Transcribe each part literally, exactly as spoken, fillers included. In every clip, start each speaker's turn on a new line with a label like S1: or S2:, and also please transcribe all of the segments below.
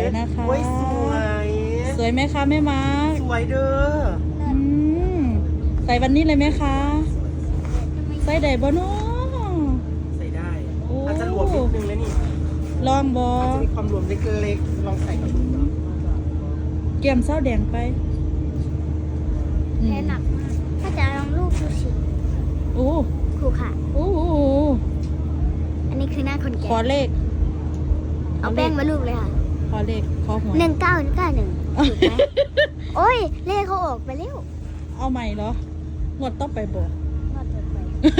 S1: นะคะ
S2: โอ้ยสวย
S1: สวยไหมคะแม่มาร์ค
S2: สวยเด้อ
S1: อืมใส่วันนี้เลยไหมคะใส่ได้บ่เนาะ
S2: ใส่ได้
S1: โอ้
S2: อาจจะรวมนิดนึงแล้วนี่
S1: ลองบอ
S2: อาจจะมีความรวมเล็กๆลองใส่กับดูเนาะ
S1: เกี่ยมเศร้าแดงไปอื
S3: แพ้
S1: ม
S3: หนักมากถ้าจะลองลูกดูสิ
S1: โอ้
S3: ครูค่ะ
S1: โอ้โห
S3: อันนี้คือหน้าคน
S1: ข
S3: แก่
S1: อเลข
S3: เอาแป้งมาลูบเลยค่ะ
S1: ขอเลขขอหวย
S3: หนึ่งเก้าเก้าหนึ่งถูกไหมโอ้ยเลขเขาออกไปแล้ว
S1: เอาใหม่เหรอ งวดต้องไปบอก
S3: รอดไป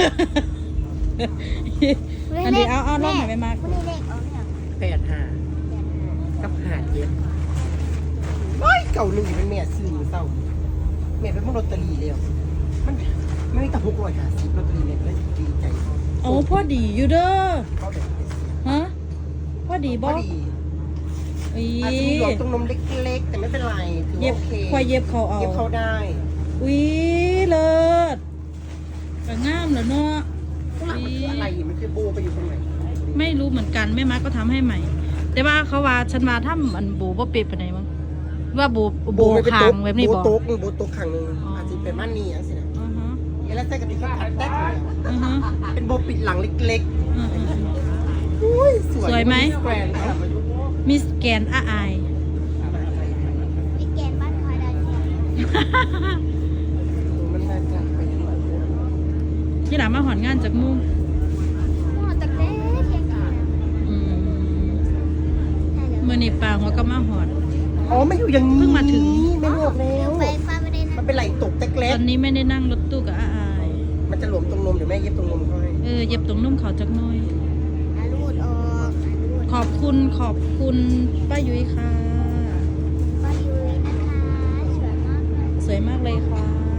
S1: อันนี้เอาเอาลองหน่อยไหมมาร์ค
S3: ไม่ได้เลขออกเนี่ย
S2: แปดห้ากับหาเย็นโอ้ยเก่าหนึ่งเป็นแม่ซื้อมือเศร้าแม่เป็นพวกลอตเตอรี่แล้วมันไม่ได้แต่หกร้อยห้าสิบลอตเตอรี่เนี่ยได้ดีใจ
S1: เอาพ่อดีอยู่เด้อ
S2: เขาแบบ
S1: ฮะพ่อดี
S2: พ
S1: บ่
S2: อดี
S1: อี
S2: อาจจะมีหลอดตรงนมเล็กๆ แต่ไม่เป็นไรถือ
S1: เย็
S2: ว่า
S1: บ
S2: โอเค
S1: ควายเย็บเขาเอา
S2: เย็บเขาได้
S1: อุ้ยเลิศก็งามแล้วเนาะ
S2: ข้างหลังมันคืออะไรมันคือโบไปอยู่ตรงไหน
S1: ไม่รู้เหมือนกันแม่มาร์คก็ทำให้ใหม่ แต่ว่าเขาว่าฉันว่าถ้ามันโบบ่เปรียบปานใดมั้งว่าโบโบ
S2: ไม่เป็น
S1: คางแบบนี้
S2: โบ
S1: บ่
S2: โต๊กโบโต๊กขังหนึ่ง
S1: อ๋ออ
S2: อาจจะเป็นม่านนี่อย่างสินะ
S1: อือฮะ
S2: แล้วแต่กันดีก็ทัดแต๊กอยู่แล้ว
S1: อือฮะ
S2: เป็นโบปิดหลังเล็ก
S1: อือฮะ
S2: ๆอุ้ยสวย
S1: สวยไหม
S2: แกรนด์ครับ
S1: มิสแกนอาอาย
S3: พี่แกนบ้านคอยได้เนี่ย
S2: มันน่าจะเป็น
S1: ที่หลามาหอนงานจากมุ่ง
S3: หม้อตะเกียบเทียงกัน
S1: อืม
S3: ใช่แล้ว
S1: มือนี่ปางว่าก็มาหอน
S2: อ๋อไม่อยู่อย่างนี้
S1: เพิ่งมาถึง
S2: ไม่บอกแล้ว
S3: ไปฟ้าไม่ได้
S2: มั
S3: นะ
S2: นเป็นไหลตกแต๊ก
S1: ต
S2: เล็
S1: อก นนี้ไม่ได้นั่งรถตู้กับอาอาย
S2: มันจะหลวมตรงนมเดี๋ยวแม่เย็บตรงนมเขาให้
S1: เออเย็บตรงนุ่มเขาจักหน้อย
S3: อาลูดออกอาลูด
S1: ขอบคุณขอบคุณป้ายุ้ยค่ะ
S3: ป้ายุ้ยนะคะสวยมากเลย
S1: สวยมากเลยค่ะ